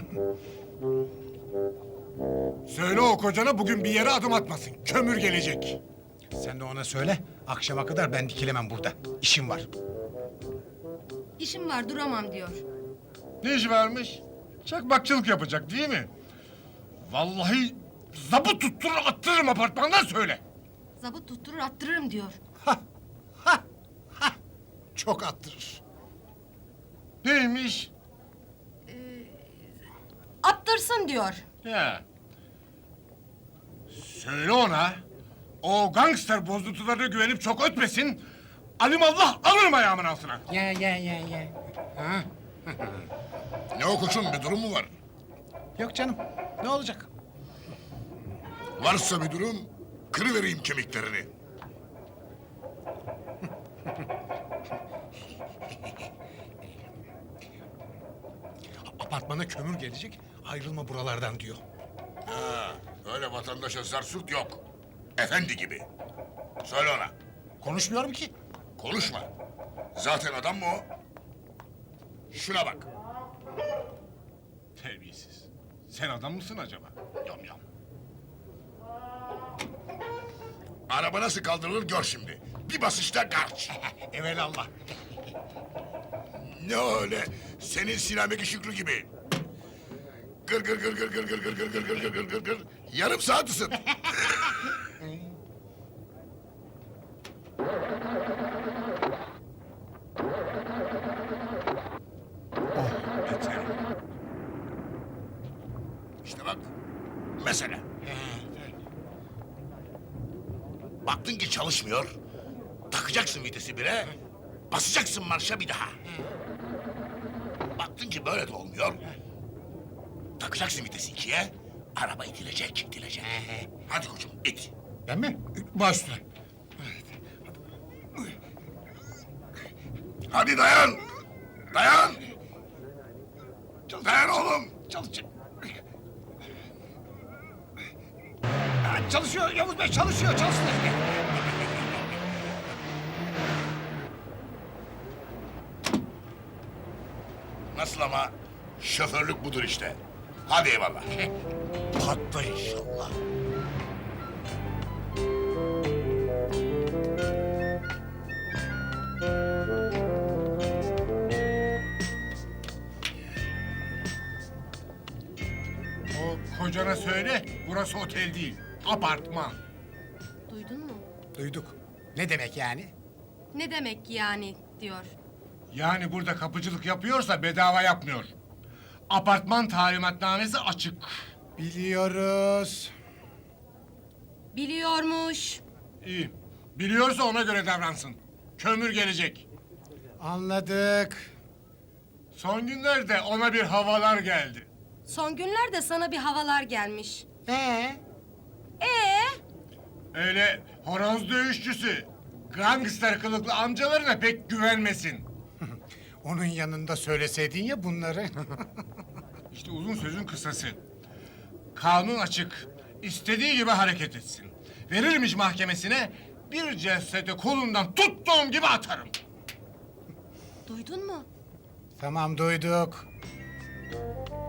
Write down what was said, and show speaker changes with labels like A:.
A: Söyle o kocana bugün bir yere adım atmasın. Kömür gelecek.
B: Sen de ona söyle. Akşama kadar ben dikilemem burada. İşim var.
C: İşim var duramam diyor.
A: Ne işi varmış? Çakmakçılık yapacak değil mi? Vallahi zabıt tutturur attırırım apartmandan söyle.
C: Zabıt tutturur attırırım diyor.
B: Çok attırır.
A: Neymiş?
C: Attırsın diyor.
A: Ya. Söyle ona. O gangster bozuntularına güvenip çok ötmesin. Alimallah alırım ayağımın altına.
B: Ya. Ha?
D: Ne o koçum, bir durum mu var?
B: Yok canım. Ne olacak?
D: Varsa bir durum, kırıvereyim kemiklerini.
B: Apartmana kömür gelecek. Ayrılma buralardan diyor.
D: Ha, öyle vatandaşa zarsut yok. Efendi gibi. Söyle ona,
B: Konuşmuyorum ki.
D: konuşma. Zaten adam mı o? Şuna bak.
A: Terbiyesiz. Sen adam mısın acaba? Yom yom.
D: Araba nasıl kaldırılır gör şimdi. Bir basışta garç.
B: Evelallah.
D: Ne öyle? Senin Sinameki Şükrü gibi. Gır gır gır gır gır gır gır gır gır gır gır gır gır gır. Yarım saat ısın.
A: Yeter.
D: İşte bak. Mesela. Baktın ki çalışmıyor. Takacaksın vitesi bire. Basacaksın marşa bir daha. Baktın ki böyle de olmuyor. Takacaksın vitesi ikiye. Araba itilecek. Hadi koçum it.
B: Ben mi? Baş üstüne.
D: Hadi dayan. Dayan. Dayan oğlum.
B: Çalışıyor Yavuz Bey, çalışıyor.
D: Nasıl ama? Şoförlük budur işte. Hadi eyvallah.
B: Patla inşallah.
A: O kocana söyle. Burası otel değil. Apartman.
C: Duydun mu?
B: Duyduk. Ne demek yani?
C: Ne demek yani diyor.
A: Yani burada kapıcılık yapıyorsa bedava yapmıyor. Apartman talimatnamesi açık.
B: Biliyoruz.
C: Biliyormuş.
A: İyi. Biliyorsa ona göre davransın. Kömür gelecek.
B: Anladık.
A: Son günlerde ona bir havalar geldi.
C: Son günlerde sana bir havalar gelmiş.
B: Ee?
A: Öyle horoz dövüşçüsü, gangster kılıklı amcalarına pek güvenmesin.
B: Onun yanında söyleseydin ya bunları.
A: İşte uzun sözün kısası. Kanun açık. İstediği gibi hareket etsin. Verirmiş mahkemesine bir cesedi kolundan tuttuğum gibi atarım.
C: Duydun mu?
B: Tamam, duyduk.